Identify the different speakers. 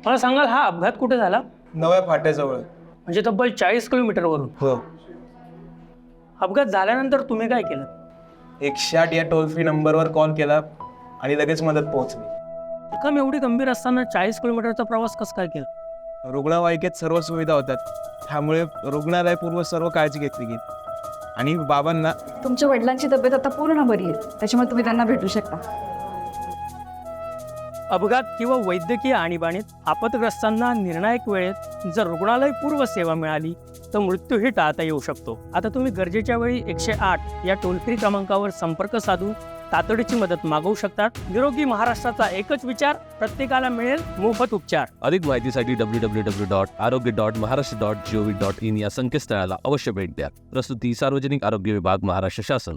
Speaker 1: मला सांगाल हा अपघात कुठे झाला?
Speaker 2: नव्या फाट्याजवळ.
Speaker 1: म्हणजे तब्बल 40 किलोमीटरवरून.
Speaker 2: हो.
Speaker 1: अपघात झाल्यानंतर तुम्ही काय केलं?
Speaker 2: 108 या टोल फ्री नंबरवर कॉल केला आणि लगेच मदत पोहोचली.
Speaker 1: जखम एवढी गंभीर असताना 40 किलोमीटरचा प्रवास कसं काय केला?
Speaker 2: रुग्णवाहिकेत सर्व सुविधा होत्यात, त्यामुळे रुग्णालयपूर्व सर्व काळजी घेतली गेली. आणि बाबांना
Speaker 3: तुमच्या वडिलांची तब्येत आता पूर्ण बरी आहे, त्याच्यामुळे तुम्ही त्यांना भेटू शकता.
Speaker 1: अपघात किंवा वैद्यकीय आणीबाणीत आपतग्रस्तांना निर्णायक वेळेत जर रुग्णालय पूर्व सेवा मिळाली तर मृत्यूही टाळता येऊ शकतो. आता तुम्ही गरजेच्या वेळी 108 या टोल फ्री क्रमांकावर संपर्क साधून तातडीची मदत मागवू शकतात. निरोगी महाराष्ट्राचा एकच विचार, प्रत्येकाला मिळेल मोफत उपचार.
Speaker 4: अधिक माहितीसाठी www.arogya.maharashtra.gov.in या संकेतस्थळाला अवश्य भेट द्या. प्रस्तुती सार्वजनिक आरोग्य विभाग, महाराष्ट्र शासन.